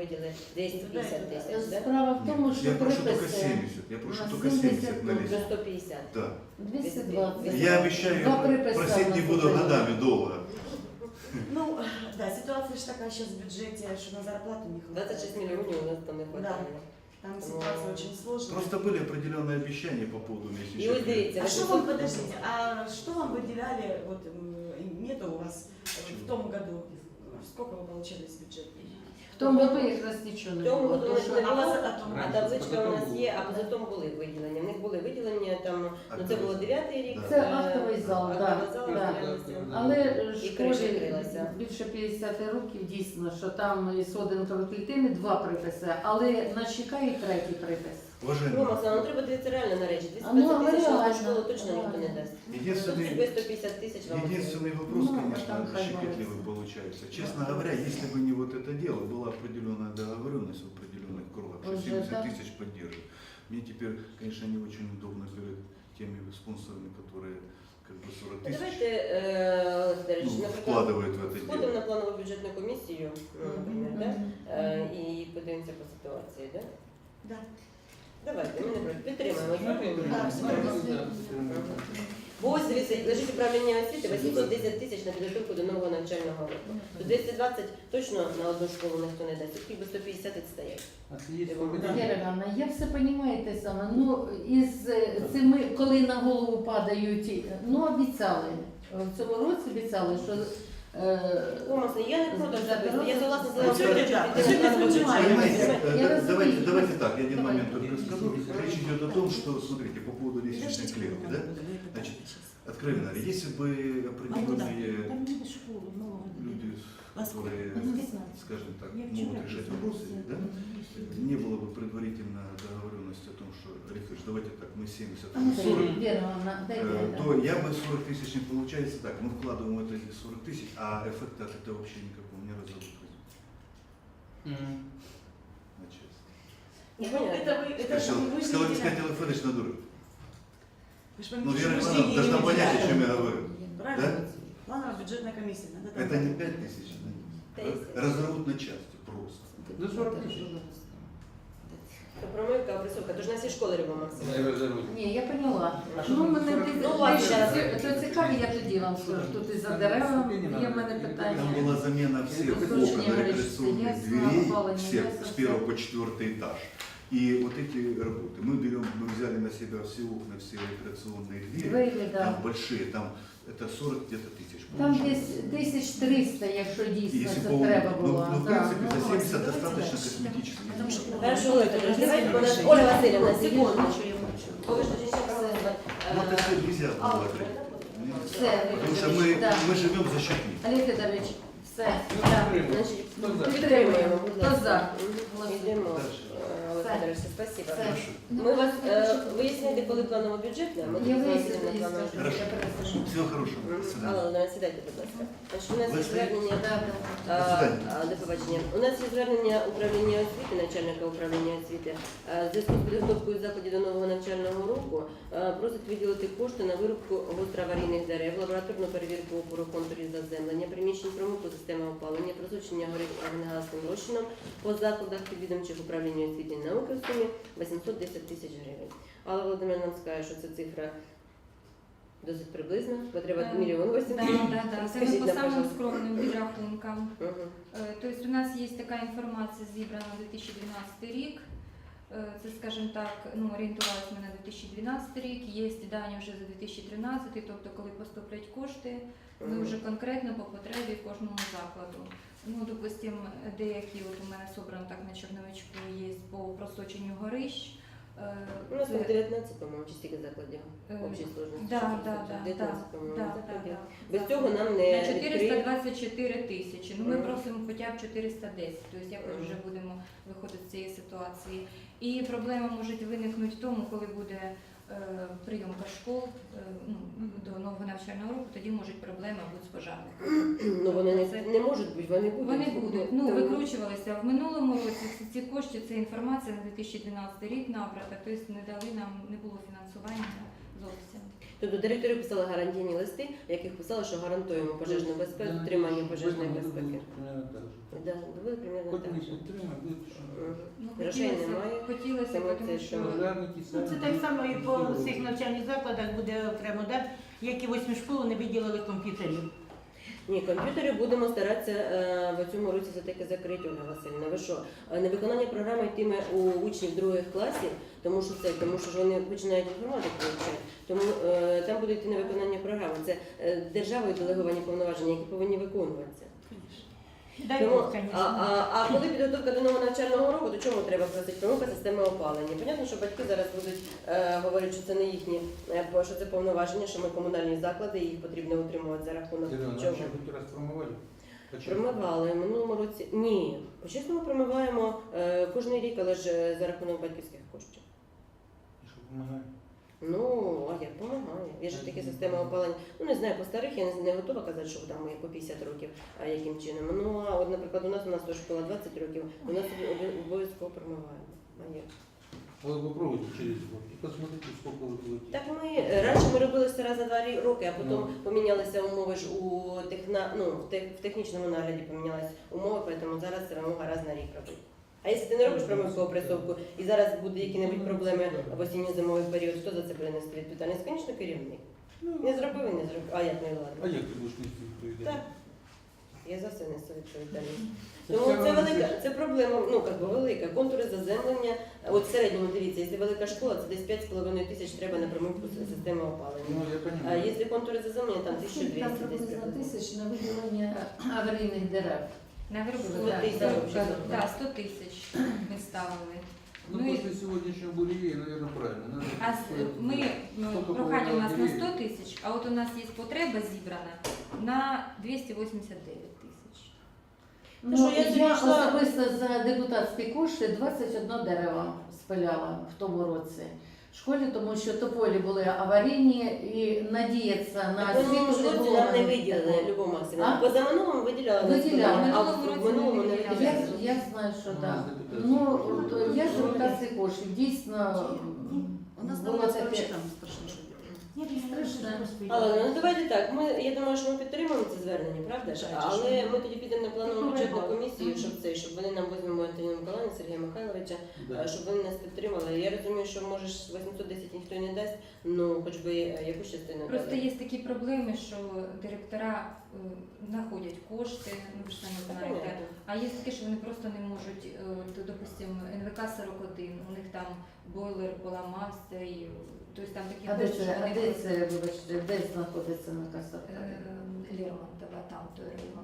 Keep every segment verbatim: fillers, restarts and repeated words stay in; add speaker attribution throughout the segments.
Speaker 1: виділили двісті п'ятдесят тисяч, да?
Speaker 2: Справа в тому, що
Speaker 3: Я прошу только
Speaker 2: приписи
Speaker 3: семьдесят. Я прошу
Speaker 2: на
Speaker 3: только
Speaker 2: семьдесят
Speaker 3: семьдесят
Speaker 1: До
Speaker 3: налезть.
Speaker 1: сто п'ятдесят.
Speaker 3: Да.
Speaker 2: двісті двадцять.
Speaker 3: Я обещаю,
Speaker 2: Два приписи
Speaker 3: просить
Speaker 2: у
Speaker 3: не
Speaker 2: нас
Speaker 3: буду
Speaker 2: уже.
Speaker 3: годами долго.
Speaker 4: Ну, да, ситуация же такая сейчас в бюджете, что на зарплату не хватает.
Speaker 1: двадцять шість мільйонів у нас там не хватає.
Speaker 4: Там ситуация очень сложная.
Speaker 3: Просто были определенные обещания по поводу
Speaker 1: І ось
Speaker 3: месячных.
Speaker 1: дивіться,
Speaker 4: А что вам, подождите, а что вам выделяли, вот м, нету у вас в том году, сколько вы получали из бюджета?
Speaker 2: В тому году якраз нічого
Speaker 1: в
Speaker 2: не
Speaker 1: тому
Speaker 2: було.
Speaker 1: году
Speaker 2: тому
Speaker 1: не
Speaker 2: що-
Speaker 1: було,
Speaker 4: А у вас это-
Speaker 1: а табличка у нас є, а поза тому були виділення. В них були виділення, там, ну це було дев'ятий рік.
Speaker 3: Да.
Speaker 2: Це
Speaker 1: е,
Speaker 2: актовий зал,
Speaker 1: актовий
Speaker 2: да,
Speaker 1: зал,
Speaker 2: да.
Speaker 1: матеріальності.
Speaker 2: Але
Speaker 1: І криша
Speaker 2: школі
Speaker 1: крилася.
Speaker 2: більше п'ятдесят років дійсно, що там із соденкової клітини два приписи, але нас чекає третій припис.
Speaker 3: Уважаемые,
Speaker 1: Рома, ну треба дивитися реально на речі.
Speaker 2: А ну,
Speaker 1: двісті
Speaker 2: але
Speaker 1: тисяч на
Speaker 2: реально,
Speaker 1: школу точно ніхто не
Speaker 2: реально.
Speaker 1: дасть.
Speaker 3: единственный,
Speaker 1: Тебе сто п'ятдесят тисяч вам.
Speaker 3: единственный вопрос,
Speaker 2: Ну, а
Speaker 3: конечно,
Speaker 2: там хай
Speaker 3: щекотливый
Speaker 2: бывает.
Speaker 3: получается. Честно говоря, если бы не вот это дело, была определенная договоренность в определенных кругах, что
Speaker 2: Уже,
Speaker 3: семьдесят
Speaker 2: да.
Speaker 3: тысяч поддержит. Мне теперь, конечно, не очень удобно перед теми спонсорами, которые как бы сорок тысяч
Speaker 1: Давайте, е, Олег Федорович,
Speaker 3: ну,
Speaker 1: наприклад,
Speaker 3: вкладывают в это
Speaker 1: сходимо
Speaker 3: дело.
Speaker 1: на планову бюджетну комісію, ну, наприклад, да? Е, і подивимося по ситуації, да?
Speaker 4: Да.
Speaker 1: Давайте, ми не проти. Підтримаємо.
Speaker 4: Так,
Speaker 1: Бо ось дивіться, лежить управління освіти вісімсот десять тисяч на підготовку до нового навчального року. То двісті двадцять точно на одну школу ніхто не дасть, тільки сто п'ятдесят відстає.
Speaker 5: А це є
Speaker 2: Віра Івановна, я все розумію те саме. Ну, із е, цими, коли на голову падають, ну обіцяли. В цьому році обіцяли, що е,
Speaker 1: Томас, я не проти особисто, я согласна з
Speaker 4: Ну,
Speaker 1: Олегом
Speaker 4: сьогодні
Speaker 1: Федоровичем,
Speaker 4: так,
Speaker 1: підтримати
Speaker 4: сьогодні
Speaker 1: планову
Speaker 4: сподіваємося.
Speaker 1: бюджетну
Speaker 3: Понимаете,
Speaker 2: Я
Speaker 3: э,
Speaker 2: разумею.
Speaker 3: давайте, давайте так, я один
Speaker 2: Давай.
Speaker 3: момент только скажу. Речь идет о том, что, смотрите, по поводу лестничной клетки, да? Значит, откровенно говоря, если бы определенные люди, которые, скажем так, могут решать вопросы, да, не было бы предварительно договоренности о том, что, Александр, давайте так, мы семьдесят,
Speaker 2: а ну,
Speaker 3: вы сорок,
Speaker 2: Віра Івановна, дайте.
Speaker 3: э,
Speaker 2: да.
Speaker 3: то я бы сорок тысяч не получается так, мы вкладываем в это эти сорок тысяч, а эффекта от этого вообще никакого не разобрать. На честно.
Speaker 1: Ну,
Speaker 4: Ну, это вы, это же вы
Speaker 3: Сказал,
Speaker 4: же
Speaker 3: сказать, Александр Федорович надурил.
Speaker 4: Вы же
Speaker 3: Ну,
Speaker 4: поймите,
Speaker 3: Вера
Speaker 4: что мы
Speaker 3: Ивановна
Speaker 4: деньги
Speaker 3: должна
Speaker 4: не
Speaker 3: понять, о
Speaker 4: выделяем.
Speaker 3: чем я говорю.
Speaker 4: Правильно? Плановая бюджетная комиссия. Надо там-
Speaker 3: Это не пять тысяч, разорвут на части просто.
Speaker 5: До сорок тисяч.
Speaker 1: То промивка, опресовка, то ж на всі школи робимо, Максим.
Speaker 5: Не розоруть.
Speaker 2: Ні, я поняла.
Speaker 5: А що
Speaker 2: Ну,
Speaker 5: там
Speaker 2: мене
Speaker 5: сорок?
Speaker 2: ти-
Speaker 1: Ну, ладно,
Speaker 2: ти-
Speaker 1: щас.
Speaker 2: то цікаві, я тоді вам скажу. Тут і за деревами є в мене
Speaker 3: Там
Speaker 2: питання.
Speaker 3: была замена всех
Speaker 2: Слушай,
Speaker 3: окон
Speaker 2: не говори,
Speaker 3: рекреационных
Speaker 2: что
Speaker 3: дверей,
Speaker 2: ясно, опало не
Speaker 3: всех
Speaker 2: ясно,
Speaker 3: с первого
Speaker 2: всё.
Speaker 3: по четвертый этаж. И вот эти работы. Мы берем, мы взяли на себя все окна, все рекреационные двери.
Speaker 2: Двері,
Speaker 3: Там
Speaker 2: да.
Speaker 3: большие, там это сорок где-то тысяч.
Speaker 2: Там
Speaker 3: получается.
Speaker 2: десь тисяч триста, якщо
Speaker 3: И
Speaker 2: дійсно
Speaker 3: если
Speaker 2: це
Speaker 3: по,
Speaker 2: треба
Speaker 3: ну,
Speaker 2: було.
Speaker 3: ну, в
Speaker 2: Да,
Speaker 3: принципе,
Speaker 2: ну,
Speaker 3: за семьдесят
Speaker 4: давайте
Speaker 3: достаточно
Speaker 4: дальше.
Speaker 3: косметических.
Speaker 4: Потому что-
Speaker 1: Хорошо, Олег Федорович, давайте, бо нас- Оля Васильівна, секунду. Бо ви ж тоді ще проголосували.
Speaker 3: Ну, это все нельзя
Speaker 1: А,
Speaker 3: было
Speaker 1: от,
Speaker 3: открыть.
Speaker 2: Все,
Speaker 3: Потому что мы,
Speaker 2: да.
Speaker 3: мы живем за счет них.
Speaker 2: Олег Федорович, все.
Speaker 5: Ну,
Speaker 2: Да.
Speaker 5: підтримуємо.
Speaker 1: Значить,
Speaker 5: Хто за?
Speaker 1: підтримуємо, будь
Speaker 2: Хто
Speaker 1: ласка.
Speaker 2: за?
Speaker 1: Мгм. Йдемо.
Speaker 3: Дальше.
Speaker 1: Е, Олег
Speaker 2: Все.
Speaker 1: Федорович, спасибо.
Speaker 2: Все.
Speaker 3: Хорошо.
Speaker 1: Ми вас е, вияснили, коли планово бюджетне, ми
Speaker 2: Я
Speaker 1: тоді
Speaker 2: виясню,
Speaker 1: зайдемо
Speaker 2: тоді
Speaker 1: на планово
Speaker 2: скажу.
Speaker 3: Хорошо.
Speaker 2: Я перепишу.
Speaker 3: Всего хорошего. До
Speaker 1: Мгм.
Speaker 3: свидания.
Speaker 1: Алла Володимирівна, сідайте, будь ласка. Значить, у нас
Speaker 3: Ви
Speaker 1: є
Speaker 3: стоїте?
Speaker 1: звернення.
Speaker 2: Да, да.
Speaker 1: А,
Speaker 3: До свидання.
Speaker 1: а, До побачення. У нас є звернення управління освіти, начальника управління освіти. А, В зв'язку з підготовкою заходів до нового навчального року а, просить виділити кошти на вирубку гостроаварійних дерев, лабораторну перевірку опору контурів заземлення, приміщень промивку системи опалення, просочення горить агнегасним розчином по закладах підвідомчих управління освіти і науки в сумі вісімсот десять тисяч гривень. Алла Володимирівна нам скаже, що це цифра досить приблизна, потреба
Speaker 6: Е,
Speaker 1: мільйон
Speaker 6: Да,
Speaker 1: вісімсот.
Speaker 6: да, да. Це
Speaker 1: Скажіть
Speaker 6: ми по
Speaker 1: нам,
Speaker 6: самим
Speaker 1: пожалуйста.
Speaker 6: скромним підрахункам.
Speaker 1: Мгм.
Speaker 6: Е, Тобто у нас є така інформація зібрана на дві тисячі дванадцятий рік. Е, Це, скажімо так, ну, орієнтувалися ми на дві тисячі дванадцятий рік. Є дані вже за дві тисячі тринадцятий, тобто коли поступлять кошти, ми
Speaker 1: Мгм.
Speaker 6: вже конкретно по потребі кожному закладу. Ну, допустимо, деякі, от у мене собрано так на Чорновичку, є по просоченню горищ. Е,
Speaker 1: У нас
Speaker 6: це-
Speaker 1: там дев'ятнадцять, по-моєму, чи стільки закладів
Speaker 6: Е,
Speaker 1: общій сложності.
Speaker 6: Да,
Speaker 1: Що
Speaker 6: да,
Speaker 1: це?
Speaker 6: да,
Speaker 1: дев'ятнадцять,
Speaker 6: да,
Speaker 1: по-моєму,
Speaker 6: да, да,
Speaker 1: закладів.
Speaker 6: да.
Speaker 1: Без цього нам
Speaker 6: На
Speaker 1: не
Speaker 6: чотириста
Speaker 1: відкриють.
Speaker 6: двадцять чотири тисячі. Ну ми
Speaker 1: Мгм.
Speaker 6: просимо хоча б чотириста десять, тобто якось
Speaker 1: Мгм.
Speaker 6: вже будемо виходити з цієї ситуації. І проблема може виникнути в тому, коли буде е, прийомка школ е, ну, до нового навчального року, тоді можуть проблеми бути з пожежниками.
Speaker 1: Ну вони
Speaker 6: Це-
Speaker 1: не, не можуть бути, вони будуть.
Speaker 6: Вони будуть. Ну,
Speaker 1: Тому-
Speaker 6: викручувалися в минулому році. Ці, ці кошти, це інформація на дві тисячі дванадцятий рік набрата, тобто не дали нам, не було фінансування зовсім.
Speaker 1: Тобто директори писали гарантійні листи, в яких писали, що гарантуємо пожежну безпеку, дотримання пожежної безпеки. Да, були примерно
Speaker 5: Хоч
Speaker 1: так.
Speaker 5: ми
Speaker 1: же.
Speaker 5: підтримуємо,
Speaker 1: Мгм.
Speaker 6: Ну,
Speaker 1: Грошей
Speaker 6: хотілося,
Speaker 1: немає.
Speaker 6: хотілося,
Speaker 1: Саме
Speaker 6: тому
Speaker 1: це,
Speaker 6: що
Speaker 1: що-
Speaker 5: пожежники
Speaker 7: Ну, це
Speaker 5: самі.
Speaker 7: так само і по
Speaker 5: всі
Speaker 7: всіх
Speaker 5: роблять.
Speaker 7: навчальних закладах буде окремо, да? Як і восьмі школи не виділили комп'ютерів.
Speaker 1: Ні, комп'ютери будемо старатися е, в цьому році все-таки закрити, Ольга Васильівна. Ви що, е, невиконання програми йтиме у учнів других класів, тому що це, тому що ж вони починають інформатику вивчати. Тому е, там буде йти невиконання програми. Це е, державою делеговані повноваження, які повинні виконуватися.
Speaker 7: Дай
Speaker 1: Тому,
Speaker 7: Бог,
Speaker 1: а,
Speaker 7: звісно.
Speaker 1: а, а коли підготовка до нового навчального року, то чому треба просити промивка системи опалення? Понятно, що батьки зараз будуть е, говорити, що це не їхні, е, бо що це повноваження, що ми комунальні заклади, і їх потрібно утримувати за рахунок
Speaker 5: Ірина,
Speaker 1: чого.
Speaker 5: нам ще хоч раз промивали? Почему?
Speaker 1: Промивали в минулому році. Ні, по-чесному промиваємо е, кожен рік, але ж е, за рахунок батьківських коштів.
Speaker 5: І що допомагає?
Speaker 1: Ну, а як допомагає? Є ж такі системи опалення. Ну не знаю, по старих я не, не готова казати, що там є по п'ятдесят років, а яким чином. Ну а от, наприклад, у нас у нас теж школа двадцять років, у нас обов- обов'язково промиваємо. А як?
Speaker 5: Вот попробуйте через год и посмотрите, сколько вы будете.
Speaker 1: Так ми е, раніше ми робили все раз за два рі- роки, а потім
Speaker 5: Ну.
Speaker 1: помінялися умови ж у техна, ну, в, тех, в технічному нагляді помінялися умови, тому зараз це вимога раз на рік робити. А якщо ти не робиш промивку опресовку і зараз буде які-небудь проблеми в осінньо-зимовий період, хто за це буде нести відповідальність? Звісно, керівник. Не зробив і не зробив. А як не
Speaker 5: А
Speaker 1: ладно?
Speaker 5: як ти будеш нести відповідальність?
Speaker 1: Так. Я за все несу відповідальність.
Speaker 5: Це
Speaker 1: Тому
Speaker 5: все
Speaker 1: це
Speaker 5: равно,
Speaker 1: велика,
Speaker 5: що-
Speaker 1: це проблема, ну як би велика. Контури заземлення. От в середньому дивіться, якщо велика школа, це десь п'ять з половиною тисяч треба на промивку с- системи опалення.
Speaker 5: Ну, я
Speaker 1: А
Speaker 5: понимаю.
Speaker 1: якщо контури заземлення, там
Speaker 2: Скільки
Speaker 1: тисяча
Speaker 2: там
Speaker 1: двісті десь
Speaker 2: приблизно
Speaker 1: приблизно.
Speaker 2: тисяч на виділення аварійних дерев.
Speaker 6: Наверху
Speaker 2: сто тисяч
Speaker 6: да,
Speaker 2: взагалі.
Speaker 6: да, сто тисяч ми ставили.
Speaker 5: Ну,
Speaker 6: Ну, і-
Speaker 5: после сегодняшнего буревея, наверное, правильно. Надо
Speaker 6: А з- ми ну,
Speaker 5: Сколько
Speaker 6: прохання у нас на
Speaker 5: деревьев?
Speaker 6: сто тисяч, а от у нас є потреба зібрана на двісті вісімдесят дев'ять тисяч.
Speaker 2: Ну,
Speaker 1: що я
Speaker 2: я
Speaker 1: зайшла-
Speaker 2: особисто за депутатські кошти двадцять одне дерево спиляла в тому році в школі, тому що тополі були аварійні і надіятися на
Speaker 1: Так в минулому
Speaker 2: освіту
Speaker 1: році
Speaker 2: було
Speaker 1: нам не
Speaker 2: такого.
Speaker 1: виділили Любов Максимовна.
Speaker 2: А?
Speaker 1: Позаминулому виділяли на
Speaker 2: Виділяли.
Speaker 1: спиляли, а
Speaker 6: Минулому
Speaker 1: в
Speaker 6: році
Speaker 1: минулому
Speaker 6: не
Speaker 1: не
Speaker 6: виділяли.
Speaker 2: Я,
Speaker 1: виділяли.
Speaker 2: я знаю, що
Speaker 5: У
Speaker 2: так.
Speaker 5: нас депутатські
Speaker 2: Ну,
Speaker 5: кошти.
Speaker 2: от я з депутатських коштів дійсно
Speaker 4: У нас
Speaker 2: було
Speaker 4: там
Speaker 2: таке.
Speaker 4: вообще там страшно, що
Speaker 7: Ні, страшно.
Speaker 1: Але ну давайте так. Ми я думаю, що ми підтримуємо це звернення, правда ж? Але ми тоді підемо на планову бюджетну комісію, щоб це, щоб вони нам візьмемо Антоніну Миколаївну, Сергія Михайловича,
Speaker 5: Да.
Speaker 1: щоб вони нас підтримали. Я розумію, що може ж вісімсот десять ніхто й не дасть, ну хоч би е, якусь частину
Speaker 6: Просто
Speaker 1: дали.
Speaker 6: є такі проблеми, що директора е, знаходять кошти, ну ви ж самі знаєте.
Speaker 1: Понятно.
Speaker 6: А є таке, що вони просто не можуть, е, от, допустимо, ен ве ка сорок один, у них там бойлер поламався, і тобто там такі
Speaker 2: А де
Speaker 6: кошти,
Speaker 2: це,
Speaker 6: що
Speaker 2: а
Speaker 6: вони
Speaker 2: де
Speaker 6: просто-
Speaker 2: це, вибачте, де знаходиться на касах?
Speaker 6: Е, Лермонтова, там той район.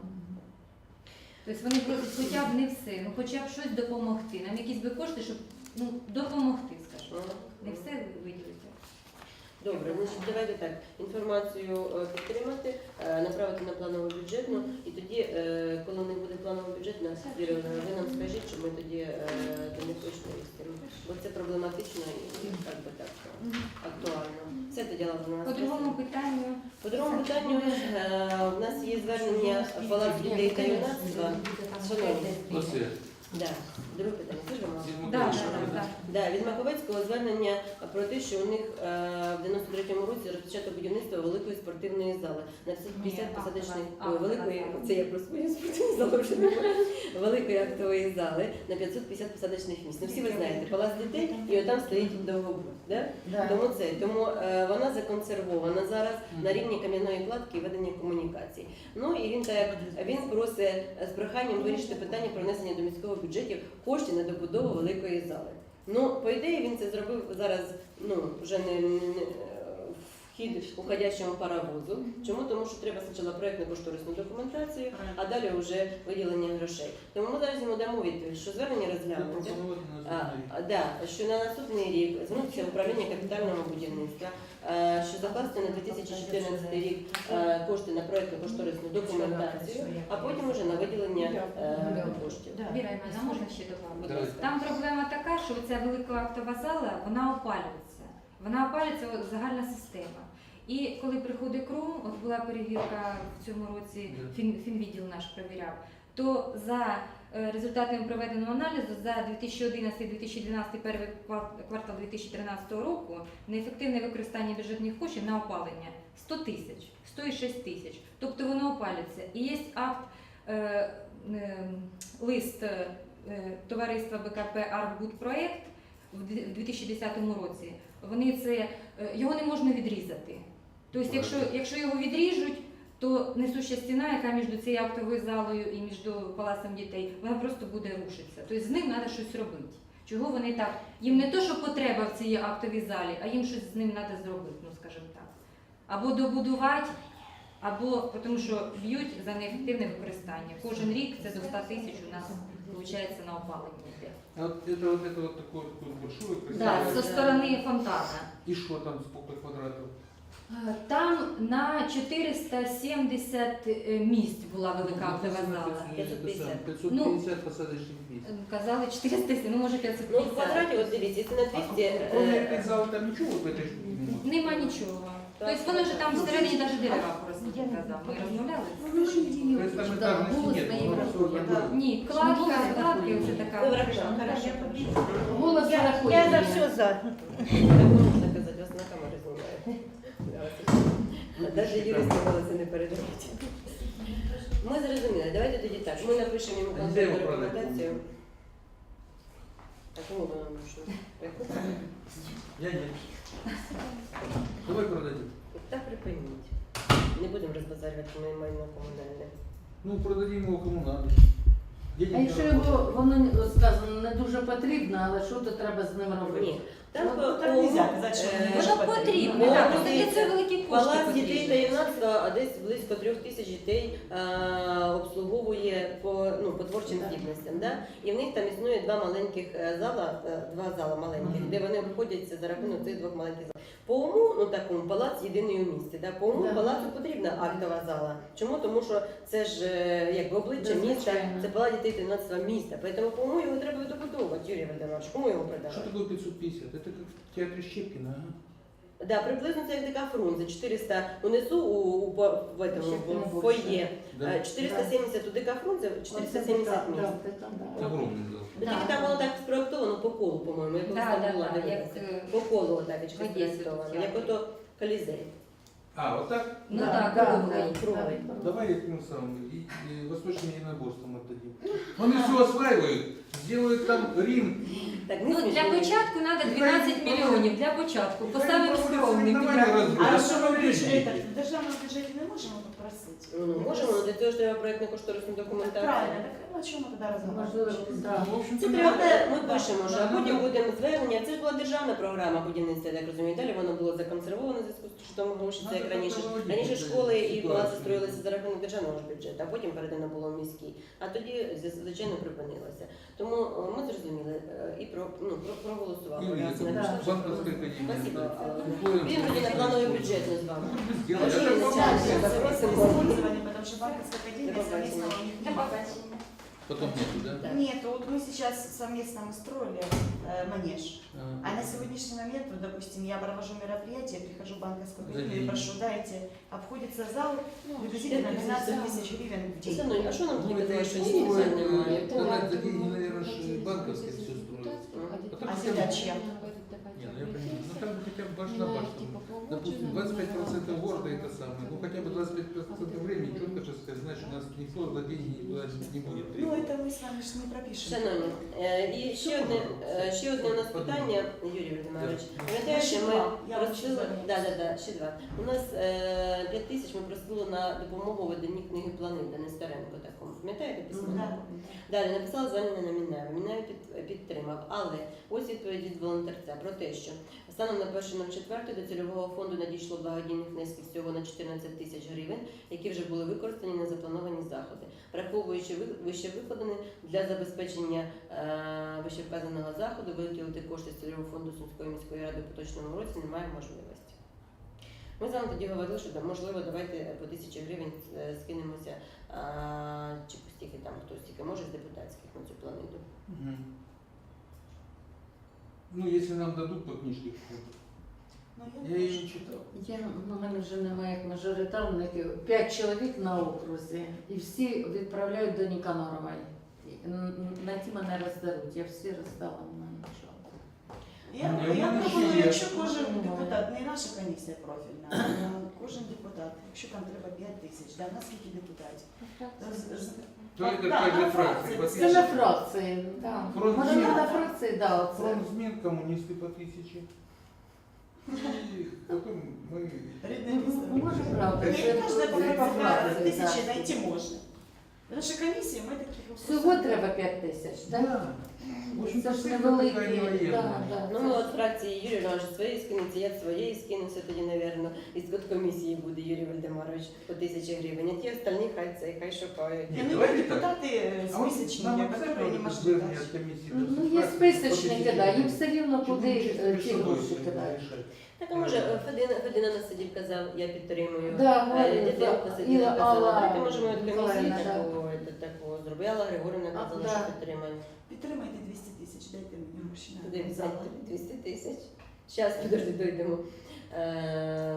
Speaker 6: Тобто вони просять хоча б не все, ну хоча б щось допомогти. Нам якісь би кошти, щоб ну, допомогти, скажімо. Не все виділити.
Speaker 1: Добре, значить давайте так. Інформацію е, підтримати, е, направити на планову бюджетну, і тоді, е, коли не буде планова бюджетна, Віра, ви нам скажіть, щоб ми тоді е, до них точно їздимо. Бо це проблематично і як би так актуально. Все тоді ладно у нас.
Speaker 6: По другому питанню,
Speaker 1: По другому питанню е, у нас є звернення Палац дітей та юнацтва. Шановні,
Speaker 5: Оце.
Speaker 1: да. Друге питання. Це ж вам.
Speaker 5: Зиму
Speaker 6: да, да,
Speaker 5: теж.
Speaker 6: да, да.
Speaker 1: Да, від Маковецького звернення про те, що у них е, в дев'яносто третьому році розпочато будівництво великої спортивної зали на п'ятдесят
Speaker 6: Ні,
Speaker 1: посадочних
Speaker 6: актова-
Speaker 1: ой, великої,
Speaker 6: актова
Speaker 1: це я про свою спортивну залу вже не говорю. Великої актової зали на п'ятсот п'ятдесят посадочних місць. Ну всі ви знаєте, палац дітей, і отам стоїть довгобуд. Да?
Speaker 2: Да.
Speaker 1: Тому це тому е, вона законсервована зараз на рівні кам'яної кладки і ведення комунікацій. Ну і він так він просить з проханням вирішити питання про внесення до міського бюджетів коштів на добудову великої зали. Ну, по ідеї, він це зробив зараз, ну вже не, не, не вхід уходящому паровозу. Чому? Тому що треба спочатку проєктну кошторисну документацію, а далі вже виділення грошей. Тому ми зараз йому дамо відповідь, що звернення розглянути.
Speaker 5: Запропонувати на
Speaker 1: А,
Speaker 5: наступний рік.
Speaker 1: а, да, що на наступний рік звернутися в управління капітального будівництва, е, що закласти на дві тисячі чотирнадцятий рік е, кошти на проєктну кошторисну документацію, а потім уже на виділення е, коштів.
Speaker 6: Віра Івановна, можна ще
Speaker 1: Будь
Speaker 6: добавити?
Speaker 1: ласка.
Speaker 6: Там проблема така, що ця велика актова зала, вона опалюється. Вона опалюється от, загальна система. І коли приходить кром, от була перевірка в цьому році, фін, фінвідділ наш перевіряв, то за е, результатами проведеного аналізу за дві тисячі одинадцятий - дві тисячі дванадцятий перший квар- квартал дві тисячі тринадцятого року неефективне використання бюджетних коштів на опалення сто тисяч, сто шість тисяч. Тобто воно опалюється. І є акт, е, е, лист е, товариства Б К П «Архбудпроект» в дві тисячі десятому році. Вони це, е, його не можна відрізати. Тобто, якщо, якщо його відріжуть, то несуща стіна, яка між цією актовою залою і між палацем дітей, вона просто буде рушитися. Тобто з ним треба щось робити. Чого вони так? Їм не то, що потреба в цій актовій залі, а їм щось з ним треба зробити, ну скажімо так. Або добудувати, або тому що б'ють за неефективне використання. Кожен рік це до ста тисяч у нас виходить на опалення йде.
Speaker 5: А вот это вот это вот такое, такое большое
Speaker 6: Да,
Speaker 5: красивое.
Speaker 6: зі сторони фонтана.
Speaker 5: И что там, сколько квадратов?
Speaker 6: Е, Там на чотириста сімдесят е, місць була велика актова зала.
Speaker 1: пятьсот пятьдесят.
Speaker 5: пятьсот
Speaker 6: Ну,
Speaker 5: пятьдесят посадочных мест.
Speaker 6: Е, Казали чотириста, ну може п'ятсот
Speaker 1: Ну, в
Speaker 6: п'ятдесят.
Speaker 1: квадраті, от дивіться, якщо на
Speaker 5: А
Speaker 1: двісті,
Speaker 5: кроме
Speaker 1: е,
Speaker 5: этой залы там ничего вот в этой штуке нема?
Speaker 6: Нема нічого. Тобто вони вже там всередині навіть дерева просто казав. Ми розмовляли.
Speaker 5: То есть там этажности нет,
Speaker 2: Голос
Speaker 5: оно всё такое.
Speaker 6: Ні, кладка, кладка, оце
Speaker 1: ви
Speaker 6: така.
Speaker 1: врахували.
Speaker 4: Хорошо.
Speaker 2: Голос
Speaker 7: Я,
Speaker 2: рахує.
Speaker 7: я за все за.
Speaker 1: Так можна казати, вас на камеру знімають. Навіть юристи голоси не передають. Ми зрозуміли, давайте тоді так. Ми напишемо йому
Speaker 5: А де його
Speaker 1: конкретну
Speaker 5: продати?
Speaker 1: рекомендацію. А кому ми нам нужно?
Speaker 5: Я нет. Давай продадим.
Speaker 1: Так припиніть. Не будемо розбазарювати моє майно комунальне.
Speaker 5: Ну, продадим его кому надо. Денег
Speaker 2: А якщо
Speaker 5: не
Speaker 2: його,
Speaker 5: работает.
Speaker 2: воно сказано, не дуже потрібно, але що то треба з ним робити?
Speaker 1: Ні. Там
Speaker 4: Ну,
Speaker 1: по-
Speaker 4: так нельзя казати, що
Speaker 1: е,
Speaker 4: не може
Speaker 6: Воно потрібно,
Speaker 1: Ну,
Speaker 6: так, просто для
Speaker 1: дивіться,
Speaker 6: цього великі кошти
Speaker 1: Палац дітей та
Speaker 6: потрібні.
Speaker 1: юнацтва, а десь близько трьох тисяч дітей е, обслуговує по, ну, по творчим
Speaker 2: Так.
Speaker 1: здібностям. Да? І в них там існує два маленьких е, зала, е, два зала маленьких,
Speaker 2: Мгм.
Speaker 1: де вони обходяться за рахунок цих двох маленьких залів. По уму, ну такому, палац єдиний у місті. Да? По уму
Speaker 2: Да.
Speaker 1: палацу потрібна актова зала. Чому? Тому що це ж е, якби обличчя
Speaker 2: Да,
Speaker 1: міста,
Speaker 2: звичайно.
Speaker 1: це палац дітей та юнацтва міста. Тому по уму його треба добудовувати, Юрій Володимирович. Кому його
Speaker 5: Что
Speaker 1: продавати?
Speaker 5: такое пятьсот пятьдесят? Это как в театре Щепкина, ага.
Speaker 1: Да, приблизно це як така фрунзе. чотириста унизу у, у, по- в, этом,
Speaker 2: Щепкіна
Speaker 1: в
Speaker 2: більше.
Speaker 1: фоє.
Speaker 5: Да.
Speaker 1: Е, чотириста сімдесят у дика фрунзе, чотириста сімдесят
Speaker 2: Оце,
Speaker 1: місць.
Speaker 2: да, да, да.
Speaker 5: Огромный зал.
Speaker 1: Ну, Тільки там воно так спроектовано по колу, по-моєму, як
Speaker 6: Да,
Speaker 1: там
Speaker 6: да,
Speaker 1: була
Speaker 6: да, як,
Speaker 1: дивилася.
Speaker 6: е,
Speaker 1: По колу отак
Speaker 6: в Одесі
Speaker 1: спроектовано,
Speaker 6: тут
Speaker 1: як ото колізей.
Speaker 5: А, вот так?
Speaker 6: Ну
Speaker 2: Да,
Speaker 6: так,
Speaker 2: да,
Speaker 6: круглий.
Speaker 2: да,
Speaker 1: круглий.
Speaker 2: да.
Speaker 5: Давай этим самым, и, и восточным единоборством отдадим. Они все осваивают, сделают там Рим.
Speaker 1: Так, не
Speaker 6: Ну, для
Speaker 1: смішно.
Speaker 6: початку треба дванадцять мільйонів, для початку, по
Speaker 5: Хай
Speaker 6: самим
Speaker 5: проводять
Speaker 6: скромним.
Speaker 5: соревновання
Speaker 6: підрахункам.
Speaker 5: розберуть.
Speaker 4: А
Speaker 5: А
Speaker 4: що
Speaker 5: що
Speaker 4: ми
Speaker 5: ви
Speaker 4: в
Speaker 5: вирішите?
Speaker 4: бюджеті, в державному бюджеті не можемо попросити?
Speaker 1: Ну, можемо, але для цього ж треба проєктно-кошторисну документацію.
Speaker 4: Правильно, так о чому ми тоді
Speaker 2: Можливо,
Speaker 4: розмовляємо?
Speaker 2: да.
Speaker 5: Ну, в общем-то,
Speaker 1: Це
Speaker 5: надо.
Speaker 1: треба, ми пишемо, що а
Speaker 5: Да,
Speaker 1: потім
Speaker 5: надо.
Speaker 1: будемо звернення. Це ж була державна програма будівництва, я так розумію. Далі воно було законсервовано в зв'язку з що тому гроші, це як
Speaker 5: Надо
Speaker 1: раніше.
Speaker 5: проводити
Speaker 1: Раніше
Speaker 5: цю
Speaker 1: школи і
Speaker 5: ситуацію.
Speaker 1: палаци строїлися за рахунок державного ж бюджету, а потім передано було в міський. А тоді, звичайно, припинилося. Тому е, ми зрозуміли е, і про, ну, про, проголосували.
Speaker 5: Юрий,
Speaker 1: Раз
Speaker 5: это
Speaker 1: написали, що-
Speaker 5: банковская академия.
Speaker 1: Спасибо.
Speaker 5: да. Условия
Speaker 1: Він тоді на плановий бюджет не з вами.
Speaker 5: сделали.
Speaker 1: Хорошо,
Speaker 5: Это
Speaker 1: не
Speaker 5: по-моему,
Speaker 1: начали.
Speaker 4: Сейчас,
Speaker 1: Согласен.
Speaker 4: использование, потому что банковская
Speaker 1: До
Speaker 4: академия
Speaker 1: побачення.
Speaker 4: совместно у них
Speaker 6: До
Speaker 4: нет.
Speaker 6: побачення.
Speaker 5: Потом нету, да?
Speaker 1: Да.
Speaker 4: Нет, вот мы сейчас совместно мы строили э, манеж. А на сегодняшний момент, вот, допустим, я провожу мероприятие, прихожу в банковскую
Speaker 5: За
Speaker 4: академию и
Speaker 5: деньги.
Speaker 4: прошу, дайте, обходится зал приблизительно двенадцать тысяч гривен в
Speaker 1: Все
Speaker 4: день.
Speaker 1: одно, а що нам
Speaker 5: Ну,
Speaker 1: тоді
Speaker 5: это
Speaker 1: казали, що
Speaker 5: еще
Speaker 1: ні,
Speaker 5: стоит,
Speaker 1: немає?
Speaker 5: э, сказать, за деньги, наверное, ж банковские все строят. Потом
Speaker 4: А
Speaker 5: хотя бы-
Speaker 4: земля чья?
Speaker 5: Не, ну я понимаю. Ну там хотя бы баш на баш. там, Допустим, двадцать пять процентов города это самое. Ну хотя бы двадцать пять процентов времени четко же сказать, значит, у нас никто за деньги никуда не будет.
Speaker 4: Ну, это мы с вами же не пропишем.
Speaker 1: Шановні, е, і ще одне, е, ще одне у нас питання, Юрій Володимирович. Пам'ятаєте, ми
Speaker 4: Я
Speaker 1: просили,
Speaker 4: хочу
Speaker 1: да, да, да, ще два. У нас е, п'ять тисяч ми просили на допомогу в виданні книги плани для Нестеренко такому. Пам'ятаєте письмо?
Speaker 4: Да.
Speaker 1: Далі написала звернення на Мінаєва. Мінаєв під, підтримав. Але ось відповідь від волонтерця про те, що станом на перше четверте до цільового фонду надійшло благодійних внесків всього на чотирнадцять тисяч гривень, які вже були використані на заплановані заходи. Враховуючи ви- вище викладене, для забезпечення е, вищевказаного заходу виділити кошти з цільового фонду Сумської міської ради в поточному році немає можливості. Ми з вами тоді говорили, що да, можливо, давайте по тисячі гривень е, скинемося, а, чи по стільки там хтось тільки може з депутатських на цю планету.
Speaker 5: Мгм. Ну, если нам дадут по книжке,
Speaker 4: Ну,
Speaker 5: я ее не читал.
Speaker 2: Я, ну, в мене вже немає як мажоритарників. П'ять чоловік на окрузі, і всі відправляють до Ніканорової. н- на ті мене роздеруть. Я всі роздала на нічого.
Speaker 4: Я,
Speaker 5: Ні,
Speaker 4: я
Speaker 5: в мене
Speaker 4: пропоную,
Speaker 5: ще є.
Speaker 4: якщо кожен депутат, не наша комісія профільна, а кожен депутат, якщо там треба п'ять тисяч, да, в нас скільки депутатів? З- з-
Speaker 5: То это
Speaker 4: Да,
Speaker 5: как
Speaker 4: на
Speaker 5: же
Speaker 4: фракції.
Speaker 5: фракции.
Speaker 2: Це на фракції, так.
Speaker 5: Фронт
Speaker 2: Може,
Speaker 5: змін.
Speaker 2: на фракції, да, оце.
Speaker 5: Фронтсмен, коммунисты по тысяче. И потом мы...
Speaker 4: Рідне
Speaker 2: Ну,
Speaker 4: місто.
Speaker 2: може, правда.
Speaker 4: І
Speaker 2: це-
Speaker 4: кожна
Speaker 2: це
Speaker 4: по
Speaker 2: по фракції,
Speaker 4: тисячі
Speaker 2: да.
Speaker 4: знайти можна. Тому що комісії ми таких
Speaker 2: Всього треба п'ять тисяч, так?
Speaker 5: Да. В общем,
Speaker 2: Це ж
Speaker 5: цифра
Speaker 2: невеликі.
Speaker 5: такая невоенная.
Speaker 2: Да, да,
Speaker 1: Ну,
Speaker 2: це
Speaker 1: ми
Speaker 2: ж-
Speaker 1: от фракції Юрій Іванович своєї скинеться, я своєї скинуся тоді, напевно. І з комісії буде Юрій Вальдемарович по тисячі гривень. А ті остальні хай це, хай шукають.
Speaker 5: Ні,
Speaker 4: Я не
Speaker 5: давайте
Speaker 4: люблю
Speaker 5: так.
Speaker 4: депутати
Speaker 5: А вот
Speaker 4: списочні,
Speaker 5: нам
Speaker 4: які
Speaker 5: обязательно
Speaker 4: не
Speaker 5: это
Speaker 4: можуть
Speaker 5: звернення
Speaker 4: дати.
Speaker 5: от комиссии.
Speaker 2: Ну, є списочники, да, їм все рівно куди е, ті гроші кидають.
Speaker 1: Так, а може, е, Федина, Федина на сидів казав, я підтримую.
Speaker 2: Да,
Speaker 1: Е,
Speaker 2: говорю,
Speaker 1: Діденко
Speaker 2: да.
Speaker 1: сиділа,
Speaker 2: І
Speaker 1: казала,
Speaker 2: Алла
Speaker 1: давайте можемо від комісії
Speaker 2: Миколаївна, да.
Speaker 1: такого, це, такого зробити. Алла Григорівна
Speaker 2: А,
Speaker 1: казала,
Speaker 2: да.
Speaker 1: що підтримає.
Speaker 4: Підтримайте двісті тисяч, дайте мені гроші на
Speaker 1: Куди
Speaker 4: зал.
Speaker 1: взяти двісті тисяч? Зараз, підожди, дойдемо. Е,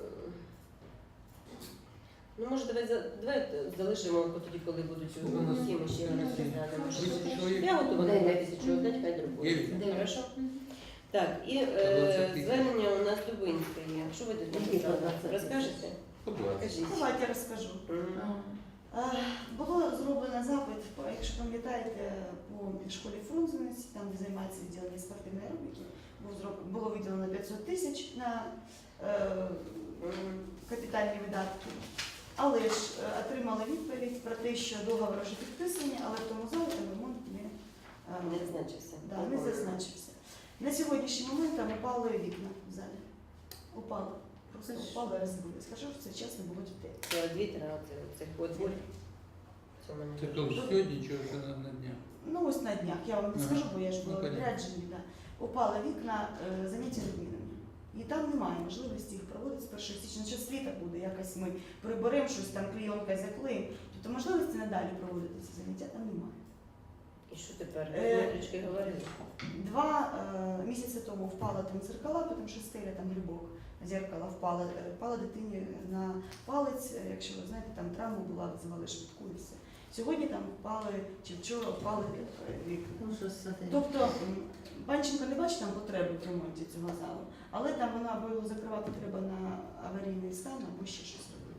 Speaker 1: Ну, може, давай, за- давай залишимо бо тоді, коли будуть
Speaker 5: Ну, у нас
Speaker 1: усі, ми ще
Speaker 5: десять
Speaker 1: розглянемо.
Speaker 5: чоловік.
Speaker 1: Я готова на
Speaker 2: Дев'ять.
Speaker 1: тисячу дати, хай друкує.
Speaker 5: Дев'ять.
Speaker 1: Хорошо? Так, і е,
Speaker 5: двадцять тисяч.
Speaker 1: звернення у нас Дубинської. Що ви тут
Speaker 2: Які
Speaker 1: написали?
Speaker 2: двадцять тисяч?
Speaker 1: Розкажете?
Speaker 5: По двадцать.
Speaker 1: Кажіть.
Speaker 4: Давайте я розкажу.
Speaker 1: Мгм.
Speaker 4: Е, Було зроблено запит, по- якщо пам'ятаєте, по школі Фрунзенець, там де займається відділення спортивної аеробіки, був зроб- було виділено п'ятсот тисяч на е,
Speaker 1: Мгм.
Speaker 4: капітальні видатки. Але ж е, отримали відповідь про те, що договори вже підписані, але в тому залі там ремонт не, е,
Speaker 1: Не зазначився.
Speaker 4: да, не зазначився. На сьогоднішній момент там упали вікна в залі. Упали. Просто упали, розбили. Скажу, що це час не було дітей.
Speaker 1: Це вітра, це, це подвір. Цьому не
Speaker 5: Это
Speaker 1: дуже.
Speaker 5: тоже сегодня, что это на, на днях.
Speaker 4: Ну ось на днях, я вам не
Speaker 5: Ага.
Speaker 4: скажу, бо я ж
Speaker 5: Ну,
Speaker 4: була
Speaker 5: понятно.
Speaker 4: відряджені. Да. Упали вікна, е, заняття відмінені. І там немає можливості їх проводити з першого січня. Що світа буде, якось ми приберемо щось там, клейонкою заклеїмо. Тобто можливості надалі проводити ці заняття там немає.
Speaker 1: І що тепер?
Speaker 4: Е,
Speaker 1: Смотрички говорили.
Speaker 4: Два е, місяці тому впала там дзеркала, тому що стеля там грибок, дзеркало впало, е, впала дитині на палець, е, якщо ви знаєте, там травма була, визивали швидку і все. Сьогодні там впали, чи вчора впали е, вікна.
Speaker 2: Ну, що це таке?
Speaker 4: Тобто м, Панченко не бачить там потреби в ремонті цього залу, але там вона або його закривати треба на аварійний стан, або ще щось робити.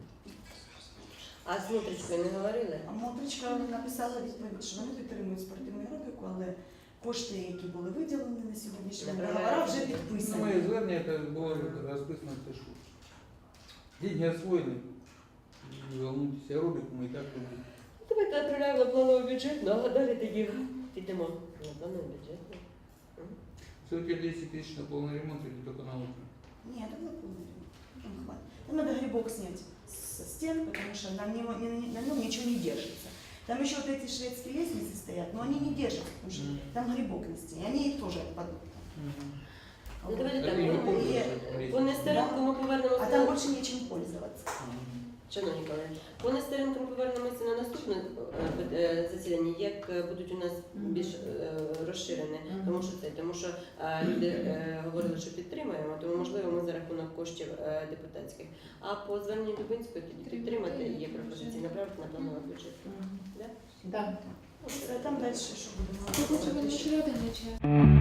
Speaker 1: А з внутрішкою не говорили?
Speaker 4: А Мотричка написала відповідь, що вони підтримують спортивну аеробіку, але кошти, які були виділені на сьогоднішній день,
Speaker 1: Направляють.
Speaker 4: договори вже
Speaker 5: Ну,
Speaker 4: підписані.
Speaker 5: моє звернення это было расписано в тешу. Деньги освоены. Не волнуйтесь, аэробику мы и так робимо.
Speaker 1: Давайте відправляємо на плановий бюджет, ну а далі тоді підемо на плановий бюджет.
Speaker 5: Все, у тебя десять тысяч на полный ремонт или только на утро?
Speaker 4: Нет, это полный ремонт. Там хватит. Там надо грибок снять со стен, потому что на, него, на нем ничего не держится. Там еще вот эти шведские лестницы стоят, но они не держатся, потому что
Speaker 5: Мгм.
Speaker 4: там грибок на стене, они тоже отпадут.
Speaker 5: Мгм.
Speaker 1: Ну давайте
Speaker 5: Так
Speaker 1: так,
Speaker 5: и не
Speaker 1: по-
Speaker 5: пользуются.
Speaker 1: по Нестеренку ми повернемося.
Speaker 4: А там больше нечем пользоваться.
Speaker 5: Мгм.
Speaker 1: Шановні колеги, по Нестеренку ми повернемося на наступне е, е, засідання, як е, будуть у нас більш е, розширене,
Speaker 2: Мгм.
Speaker 1: тому що це, тому що е, люди е, говорили, що підтримуємо, тому можливо ми за рахунок коштів е, депутатських. А по зверненню Дубинської тоді підтримати і є пропозиції направити на плановий бюджет.
Speaker 2: Мгм.
Speaker 1: Да?
Speaker 2: Да.
Speaker 4: Все, там дальше что будем
Speaker 8: Хочемо
Speaker 4: говорить?
Speaker 8: ще один